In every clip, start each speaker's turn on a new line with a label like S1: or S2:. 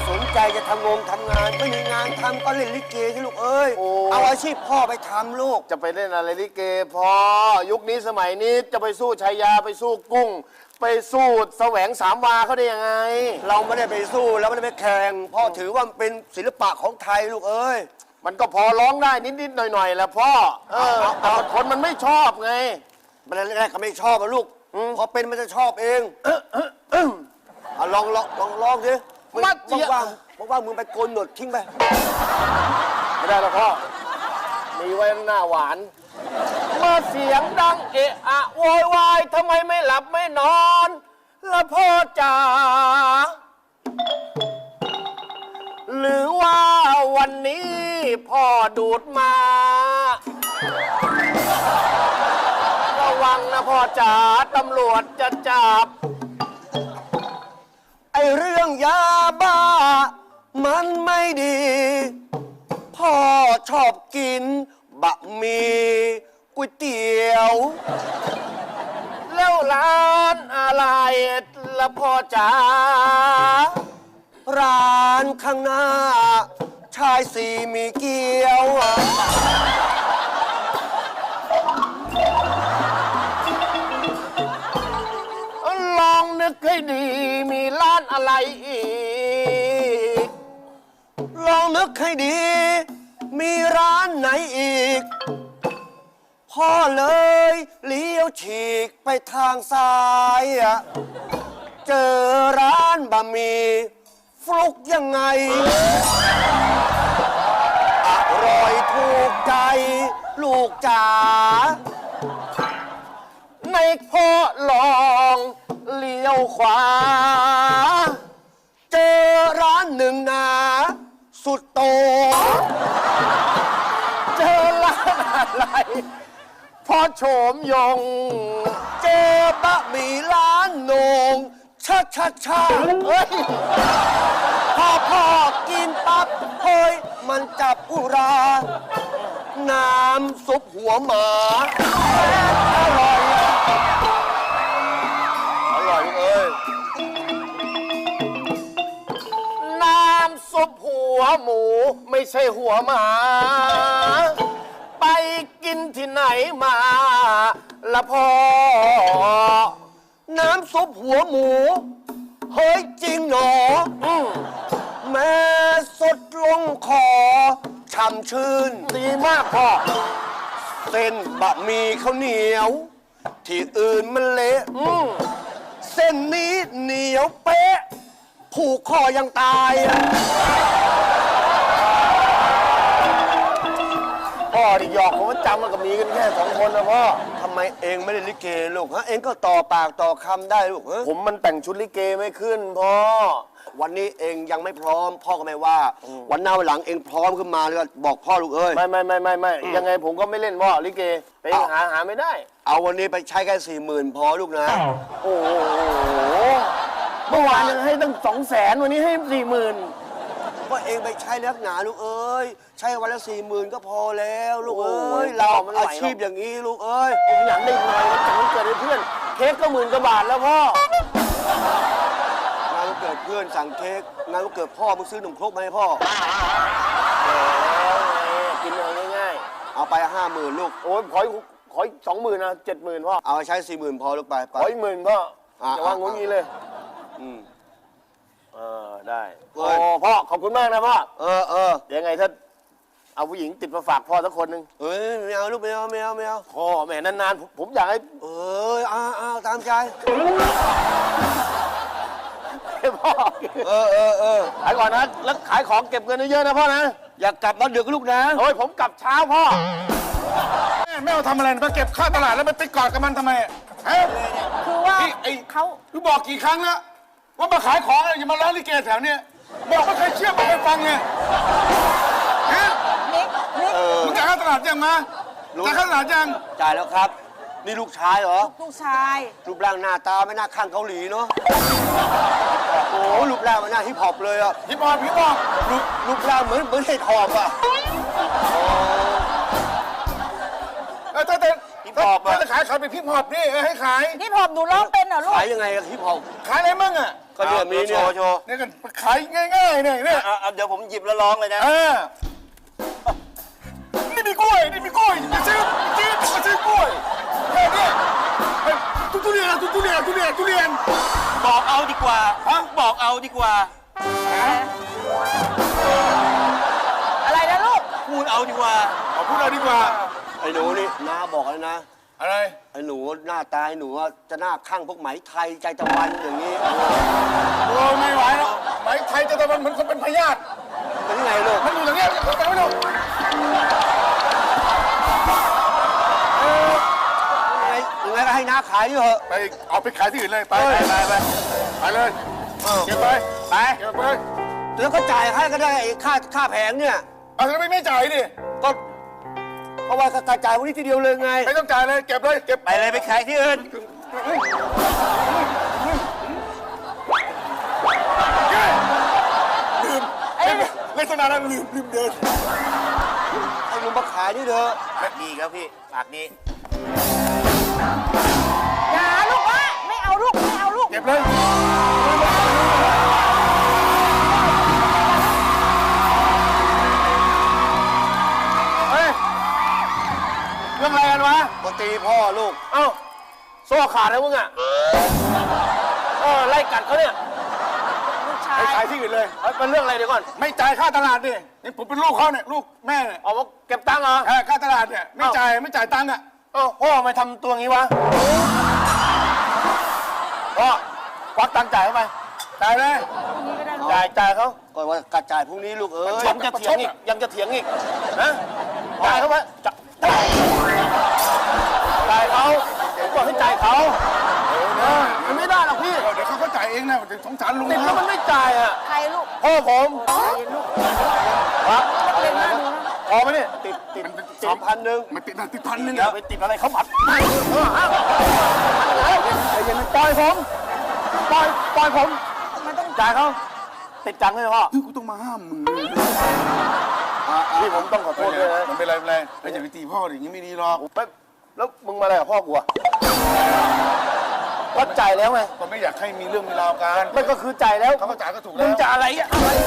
S1: สนใจจะทำงานไม่มีงานทำก็เล่นลิเกที่ลูกเอ้ยเอาอาชีพพ่อไปทำลูก
S2: จะไปเล่นอะไรลิเกพ่อยุคนี้สมัยนี้จะไปสู้ชายาไปสู้กุ้งไปสู้แสวงสามวาเขาได้ยังไง
S1: เราไม่ได้ไปสู้แล้วไม่ได้ไปแข่งพ่อถือว่ามันเป็นศิลปะของไทยลูกเอ้ย
S2: มันก็พอร้องได้นิดๆหน่อยๆแหละพ่อแต่คนมันไม่ชอบไง
S1: มันแรกๆก็ไม่ชอบอะลูกพอเป็นมันจะชอบเองลองสิว่างมึงไปโกนหนวดทิ้งไป
S2: ไม่ได้หรอกพ่อมีไว้หน้าหวานมาเสียงดังเอะอะโวยวายทำไมไม่หลับไม่นอนละพ่อจ๋าหรือว่าวันนี้พ่อดูดมาระวังนะพ่อจ๋าตำรวจจะจับ
S1: ไอเรื่องยาบ้ามันไม่ดีพ่อชอบกินบะหมี่ก๋วยเตี๋ยว
S2: แล้วร้านอะไรละพ่อจ๋า
S1: ร้านข้างหน้าชายสี่มีเกี๊ยว
S2: ลองนึกให้ดีมีร้านอะไรอีก
S1: ลองนึกให้ดีมีร้านไหนอีกพ่อเลยเลี้ยวฉีกไปทางซ้ายเจอร้านบะหมี่ฟลุกยังไงอร่อยถูกใจลูกจ๋า
S2: ในพ่อลองเลี้ยวขวา
S1: เจอร้านหนึ่งนาสุดโต
S2: เจอร้านอะไรพ่อโฉมยง
S1: เจอบะหมี่ร้านโหนงชาเฮ้ยพ่อกินปั๊บเฮ้ยมันจับอุราน้ำซุปหัวหมาอร่อยเอ้ย
S2: น้ำซุปหัวหมูไม่ใช่หัวหมาไปกินที่ไหนมาละพ่อ
S1: น้ำซุปหัวหมูเฮ้ยจริงหนอแม่สดลงคอฉ่ำชื่น
S2: ดีมากพ่อ
S1: เส้นบะหมี่ข้าวเหนียวที่อื่นมันเละเส้นนี้เหนียวเป๊ะผูกคอยังตาย
S2: พ่อที่หยอกผมว่าจำมันก็มีกันแค่2 คนนะพ่อ
S1: ทำไมเองไม่ได้ลิเกลูกฮะเองก็ต่อปากต่อคำได้ลูกฮะ
S2: ผมมันแต่งชุดลิเกไม่ขึ้นพ่อ
S1: วันนี้เองยังไม่พร้อมพ่อก็ไม่ว่าวันหน้าวันหลังเองพร้อมขึ้นมาแล้วบอกพ่อลูกเอ้ย
S2: ไม่ยังไงผมก็ไม่เล่นพ่อลิเกไปหาไม่ได้
S1: เอาวันนี้ไปใช้แค่40,000พอลูกนะ
S2: โอ้โหเมื่อวานยังให้ตั้ง200,000วันนี้ให้40,000
S1: ก็เองไปใช้นักหนาลูกเอ้ยใช้วันละ40,000ก็พอแล้วลูกเอ้ยเราอาชีพอย่างนี้ลูกเอ้ย
S2: ผมอยากได้หน่อยมันเกิดให้เพื่อนเค้กก็10,000 กว่าบาทแล้วพ่
S1: องานวันเกิดเพื่อนสั่งเค้กงานวันเกิดพ่อมึงซื้อขนมครกมาให้พ่อ
S2: กินง่าย
S1: ๆเอาไป50,000ลูก
S2: โอ้ยขอ20,000นะ70,000พ่อ
S1: เอาใช้40,000พอลูกไป
S2: ขออีก10,000พ่อจะวางงุ้นงี้เลยได้โอ้พ่อขอบคุณมากนะพ่อยังไงถ้าเอาผู้หญิงติดมาฝากพ่อสักคนหนึ่ง
S1: ไม่เอาลูกไม่เอา
S2: พ่อแม่นานๆผมอยากให้
S1: เอาตามใจ
S2: พ่อขายก่อนนะแล้วขายของเก็บเงินเยอะๆนะพ่อนะ
S1: อย่ากลับมาดึกลูกนะ
S2: โอ้ยผมกลับเช้าพ่อ
S3: แม่เอาทำอะไรมาเก็บค่าตลาดแล้วไปกอดกับมันทำไม
S4: คือว่า
S3: เขาคือบอกกี่ครั้งแล้วว่ามาขายของอย่ามาร้านลิเกแถวเนี้ยบอกไม่เคยเชื่อไม่เคยฟังไงฮะมึงจ่ายค่าตลาดยังมาจ่ายค่าตลาดยัง
S1: จ่ายแล้วครับนี่ลูกชายเหรอ
S4: ลูกชาย
S1: รูปร่างหน้าตาไม่น่าข้างเกาหลีเนาะโอ้รูปร่างมันน่าฮิปฮอปเลยอ่ะ
S3: ฮิปฮอป
S1: รูปร่างเหมือนเห็ดหอบอ่ะ
S3: แต่ฮิปฮอปจะขายไปฮิปฮอปนี่ให้ขาย
S4: ฮิปฮอปหนูร้องเป็นเหรอลูก
S1: ขายยังไงฮิปฮอป
S3: ขายอะไรมั่งอ่ะ
S1: ก็เนี่ยมีเนี่ยโชว์
S3: นี่กันขายง่ายๆเนี่ยเนี่ย
S1: เดี๋ยวผมหยิบแล้วร้องเลยนะ
S3: นี่มีกล้วยนี่มีกล้วยมาซื้อกล้วยแค่นี้ทุเรียนทุเรียน
S1: บอกเอาดีกว่าบอกเอาดีกว่า
S4: อะไรนะลูก
S1: พูดเอาดีกว่า
S3: พูดเอาดีกว่า
S1: ไอ้หนูนี่น้าบอกแล้วนะ
S3: อะไร
S1: ไอ้หนูหน้าตาไอ้หนูจะหน้าข้างพวกไหมไทยใจตะวันอย่างนี้
S3: โอ้ไม่ไหวแล้วไหมไทยจะตะวันเหมือนคนเป็นพยาธิ
S1: เป็นไงลูก
S3: มันอยู่อย่างเงี้ยเขาจะไม่รู้
S1: ยังไงก็ให้น้าขายดิเถอะ
S3: ไปเอาไปขายที่อื่นเลยไปเลยเก็บไปเก็บไป
S1: แล้วก็จ่ายให้ก็ได้ไอ้ค่าแผงเนี่ย
S3: เอาทำไมไม่จ่ายดิ
S1: ก็เพราะว่าก็จ่ายวันนี้ทีเดียวเลยไง
S3: ไม่ต้องจ่ายเลยเก็บเลยเก็บ
S1: ไปเลยไปขายที่อื่น
S3: ลืมเล่นสนานนั้นลืมเดิน
S1: ให้ลุงมาขายนี่เถอะ
S2: ดีครับพี่ปากนี้
S4: อย่าลูกวะไม่เอาลูกไม่เอาลูก
S3: เก็บเลยเฮ้ยเรื่องอะไรกันวะ
S1: ปกตีพ่อลูก
S2: เอ้าโซ่ขาดแล้วมึงอ่ะไล่กัดเขาเนี่ย
S4: ลูกชา
S3: ไป
S4: ย
S3: ขายที่อื่นเลย
S2: เป็นเรื่องอะไรเดี๋ยวก่อน
S3: ไม่จ่ายค่าตลาดดินี่ผมเป็นลูกเขาเนี่ยลูกแม่เนี่ย
S2: เอามาเก็บตังค์เหรอ
S3: ค่าตลาดเนี่ยไม่จ่ายตังค์อ่ะ
S2: พ่อทำไมทำตัวงี้วะพ่อควักตังค์จ่ายเข้าไป
S3: จ่ายเลย
S4: นี่ก็ได้ลูก
S2: จ่ายเขา
S1: ก่อนว่ากระจายพรุ่งนี้ลูกเอ้ย
S2: ยังจะเถียงอีกนะจ่ายเขาไปจ่ายเขาผมบอกให้จ่ายเขามันไม่ได้หรอกพี่
S3: เดี๋ยวเขาก็จ่ายเองนะเดี๋ยวสงสารลุง
S2: ติดแล้วมันไม่จ่ายอ่ะ
S4: ใครลูก
S2: พ่อผมครับ
S4: เล่นหน้าดูนะ
S2: พอไหมเนี่ยติด
S1: 2,000
S3: มันติดพันหนึ่ง
S2: อย่าไปติดอะไรเขาผัดใจเย็นปล่อยผมปล่อยผม
S4: มันต้อง
S2: จ่ายเขาติดจังเลยพ่อ
S3: กูต้องมาห้ามมึง
S2: พี่ผมต้องขอโทษด้วยนะ
S3: มันเป็นไรแล้วอย่าไปตีพ่ออย่างนี้ไม่ดีหรอก
S2: แล้วมึงมาอะไรกับพ่อกูอะก็จ่ายแล้วไง
S3: ก็ไม่อยากให้มีเรื่องมีราวกัน
S2: มันก็คือจ่ายแล้ว
S3: เขาก็จ่ายก็ถูก
S2: มึ
S3: แล้
S2: ง
S3: ว
S2: จะอะไรอ่ะ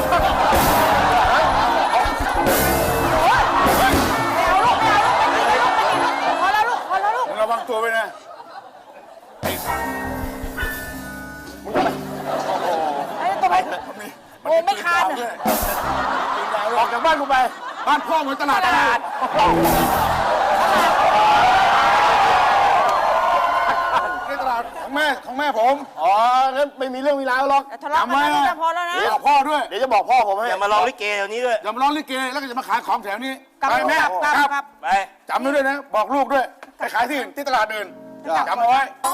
S4: ไม่เอาลูกไม่เอาลูกไม่ตีลูกพอแล้วลูกพอแล้วลูก
S3: มึงระวังตัวไว้นะ
S4: ไอ้ตัวมันโอ้ไม่คานอ่ะ
S2: ออกจากบ้านกูไป
S3: บ้านพ่อเหมือนตลาดในตลาดของแม่ผม
S2: อ๋องั้นไม่มีเรื่องมีราวหรอก
S4: ทะเลาะกันนะพอแล้วนะ
S3: บอกพ่อด้วย
S2: เดี๋ยวจะบอกพ่อผมให้
S1: อย่ามาลองลิเกแถวนี้ด้วย
S3: อย่ามาร้องลิเกแล้วก็จะมาขายของแถวนี้
S4: กลับ
S3: ไปแม่
S4: กลับ
S1: ไป
S3: จำไว้ด้วยนะ บอกลูกด้วยไปขายที่อื่นที่ตลาดอื่นจำเอาไว้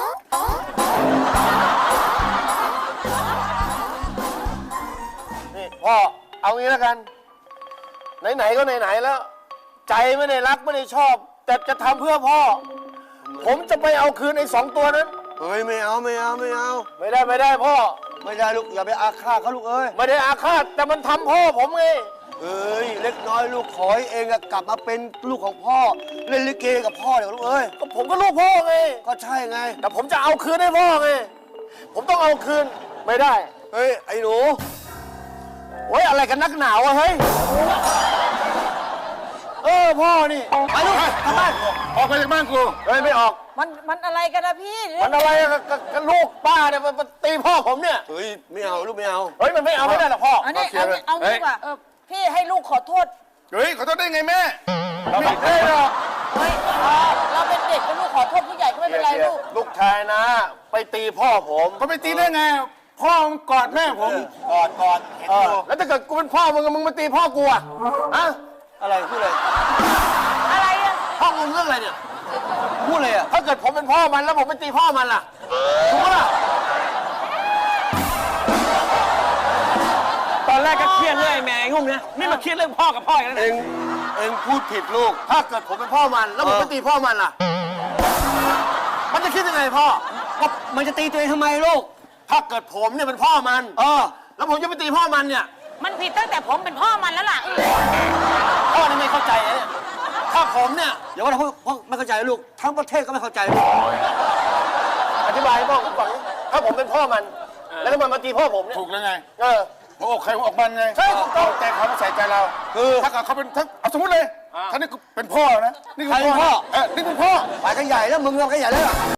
S2: นี่พ่อเอางี้แล้วกัน ไหนๆก็ไหนๆแล้ว ใจไม่ได้รักไม่ได้ชอบ แต่จะทำเพื่อพ่อ ผมจะไปเอาคืนไอ้2 ตัวนั้น
S1: เฮ้ยไม่เอา
S2: ไม่ได้พ่อ
S1: ไม่ได้ลูกอย่าไปอาฆาตเขาลูกเอ้ย
S2: ไม่ได้อาฆาตแต่มันทำพ่อผมไง
S1: เอ้ยเล็กน้อยลูกขอให้เองอะกลับมาเป็นลูกของพ่อเล่นลิเกกับพ่อเดี๋ยวลูกเอ้ย
S2: ก็ผมก็ลูกพ่อไง
S1: ก็ใช่ไง
S2: แต่ผมจะเอาคืนให้พ่อไง ผมต้องเอาคืนไม่ได้
S1: เฮ้ยไอ้หนู
S2: โอ้ยอะไรกันนักหนาวอะเฮ้ย พ่อนี่ไปลูกกลับบ้าน
S3: ออกไปจากบ้านกู
S2: เฮ้ยไม่ออก
S4: มันอะไรกันนะพี่
S2: มันอะไรกับลูกป้าเนี่ยมันตีพ่อผมเนี่ย
S1: เฮ้ยไม่เอาลูกไม่เอา
S2: เฮ้ยมันไม่เอาไม่ได้หรอกพ่อ
S4: อันนี้เอางี้ดีกว่าพี่ให้ลูกขอโทษ
S3: เฮ้ยขอโทษได้ไงแม่
S2: เราไม่ได้หรอก
S4: เฮ้ยเราเป็นเด็กเป็นลูกขอโทษผู้ใหญ่ก็ไม่เป็นไรลูก
S2: ลูกชายนะ ไปตีพ่อผม
S3: เขาไปตีได้ไง พ่อมึงกอดแม่ผม
S1: ก่อนเห็นอยู่
S2: แล้วถ้าเกิดกูเป็นพ่อมึงมาตีพ่อกูอะฮะ
S1: อะไรพูดเลย
S4: อะไรอ่ะ
S2: พ่อมึงเรื่องอะไรเนี่ย
S1: พูดเลยอะ
S2: ถ้าเกิดผมเป็นพ่อมันแล้วผมไปตีพ่อมันล่ะถูกปะล่ะ
S5: ตอนแรกก็เครียดเรื่องไอ้แม่ไอ้งุ่มนะนี่มาเครียดเรื่องพ่อกับพ่ออีกแล้ว
S1: เอ
S5: นะ
S1: งเองพูดผิดลูก
S2: ถ้าเกิดผมเป็นพ่อมันแล้วผมไปตีพ่อมันล่ะ มันจะคิดยังไงพ่อ
S1: ก็มันจะตีตัวเองทำไมลูก
S2: ถ้าเกิดผมเนี่ยเป็นพ่อมัน แล้วผมจะไปตีพ่อมันเนี่ย
S4: มันผิดตั้งแต่ผมเป็นพ่อมันแล้วล่ะ
S2: พ่อนี่ไม่เข้าใจนะเนี่ยถ้าผมเนี่ย
S1: อย่าว่าแต่พ่อไม่เข้าใจลูก ทั้งประเทศก็ไม่เข้าใจลูก
S2: อธิบายให้พ่อผมฟังดิถ้าผมเป็นพ่อมันแล้วทำไมมาตีพ่อผมเนี่ย
S3: ถูกแล้วไง
S2: เออ
S3: หัวอกใครหัวอกมันไง
S2: ใช่ถูกต้อง
S3: แต่เขาไม่ใส่ใจเรา
S1: คือ
S3: ถ้าเกิดเขาเป็นถ้าเอาสมมติเลยถ้านี่เป็นพ่อนะนี่คือ
S1: ใครเป็นพ่อ
S3: นี่คือพ่อ
S1: ไปกันใหญ่แล้วมึงเรากันใหญ่แล้ว